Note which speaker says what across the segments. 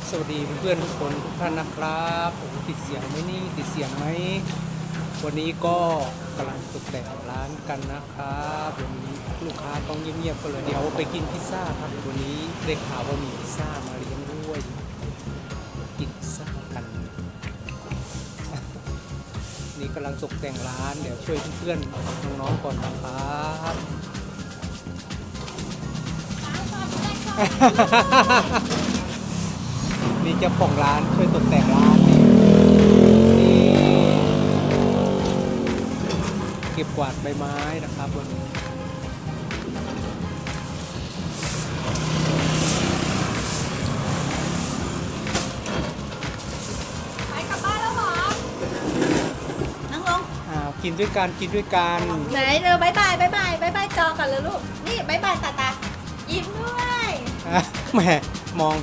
Speaker 1: สวัสดีเพื่อนๆทุกคนทุกท่านนะครับผมติดเสียงไหมนี่ติดเสียงไหมวันนี้ก็กำลังตกแต่งร้านกันนะครับวันนี้ลูกค้าต้องเงียบๆกันเลยเดี๋ยวไปกินพิซซ่าครับวันนี้ได้ข่าวว่ามีพิซซ่ามาเลี้ยงด้วยกินพิซซ่ากัน นี่กำลังตกแต่งร้านเดี๋ยวช่วยเพื่อนๆน้องๆก่อนนะครับนี่เจ้าของร้านช่วยตกแต่งร้านนี่เก็บกวาดใบไม้นะครับวันนี้
Speaker 2: ไปกลับบ้านแล้วเหรอ นั่งลง
Speaker 1: กินด้วยกันกินด้วยกัน
Speaker 2: ไหนเร็วบายบายบายบายบายบายจอกันเลยลูก นี่บายบายตาตายิ้มด้วย
Speaker 1: แหมมอง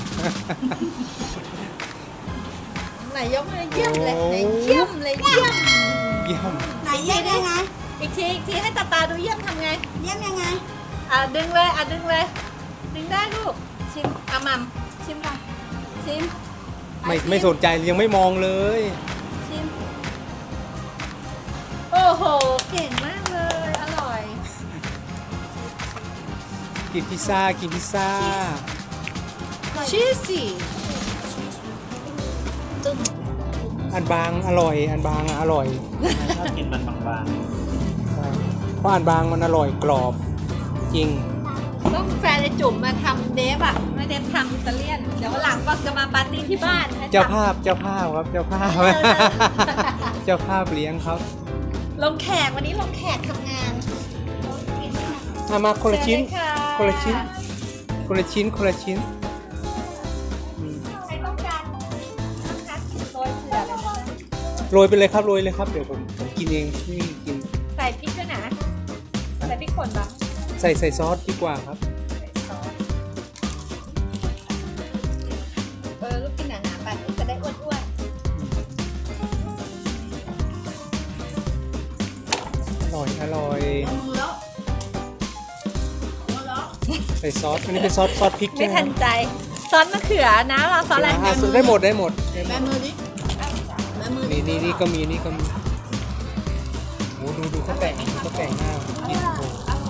Speaker 2: ไหนยกเลยเยี่ยมเลยไหนเยี่ยมเลยเยี่ยม
Speaker 1: เยี่ยม
Speaker 2: ไหนเยี่ยมยังไงอีกทีให้ตาตาดูเยี่ยมทำไง
Speaker 3: เยี่ยมยังไง
Speaker 2: ดึงเลยดึงเลย ดึงได้ลูก ชิมมัมชิมก่อนชิม
Speaker 1: ไม่สนใจยังไม่มองเลย
Speaker 2: ชิม โอ้โห เก่งมากเลย อร่อย
Speaker 1: กินพิซซ่ากินพิซซ่า
Speaker 2: ชีสซี่
Speaker 1: อันบางอร่อยอันบางอร่อย
Speaker 4: ชอบกินมันบาง
Speaker 1: เพราะอันบางมันอร่อยกรอบจริง
Speaker 2: ต้องแฟนไอจุ๋มมาทำเดฟอ่ะไม่เดฟทำอิตาเลียน เดี๋ยววันหลังก็จะมาปาร์ตี้ที่บ้านให้
Speaker 1: เจ้า
Speaker 2: ทำ
Speaker 1: ภาพครับเจ้าภาพ เจ้าภาพเลี้ยงครับ
Speaker 2: ลงแขกวันนี้ลงแขกทำงาน
Speaker 1: มาคนละชิ้น
Speaker 2: เชิญเลยค่ะ
Speaker 1: คนละชิ้นคนละชิ้นคนละชิ้น
Speaker 2: ใครต้องการนะคะโรยเกลือเลยนะคะ
Speaker 1: โรยไปเลยครับโรยเลยครับเดี๋ยวผมกินเองไม่มีกิน
Speaker 2: ใส่พริกด้วยนะใส่พริกป่นบ้าง
Speaker 1: ใส่ซอสดีกว่าครับ
Speaker 2: ใส่ซอสลูกกินหนาๆไปลูกจะได้อ้วน
Speaker 1: อร่อย
Speaker 3: มือแล้วมือแล้ว
Speaker 1: ใส่ซอสอันนี้เป็นซอสพริก
Speaker 2: ๆ
Speaker 1: ใช่
Speaker 2: ไม่
Speaker 1: ไหม
Speaker 2: ทันใจซอสมะเขือนะเราซอสอะไร
Speaker 1: ได้หมด
Speaker 3: แบมือดิแบมือดิ
Speaker 1: นี่ก็มีนี่ก็มีโอ้ดูเขาแต่งเขาแต่งหน้ากินโอ้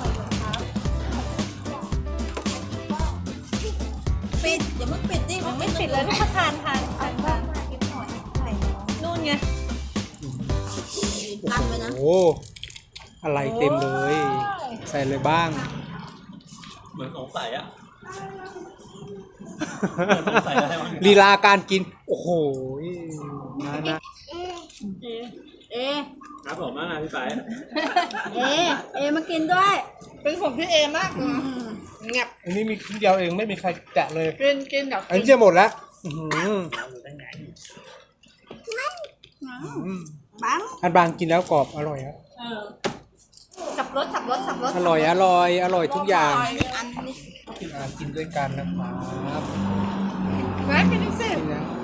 Speaker 3: ปิดอย่าเพิ่งปิดดิ
Speaker 2: ไม่ปิดเลยทุกคนทานบ้างนู่นไง
Speaker 3: กันไปนะ
Speaker 1: โหอะไรเต็มเลย ใส่เลยบ้าง
Speaker 4: ๆเหมือนสงสัยอะสงสัยอะไรบ้าง
Speaker 1: ลีลาการกิน โอ้โหนะ
Speaker 3: เอ
Speaker 4: ครับผมมาพี่ไป
Speaker 3: เอมากินด้วย
Speaker 2: เป็นของพี่เอมากเงียบ
Speaker 1: อันนี้มีชิ้นเดียวเองไม่มีใครแกะเลย
Speaker 2: กินเดี๋ยว
Speaker 1: อันนี้จะหมดแล้วอื้อหือ
Speaker 3: บัง
Speaker 1: อันบางกินแล้วกรอบอร่อยครับ
Speaker 2: สับรส
Speaker 1: อร่อยทุกอย่าง
Speaker 3: อันนี้
Speaker 1: กินด้วยกันนะครับ
Speaker 2: มากินสิ
Speaker 1: นี่นะ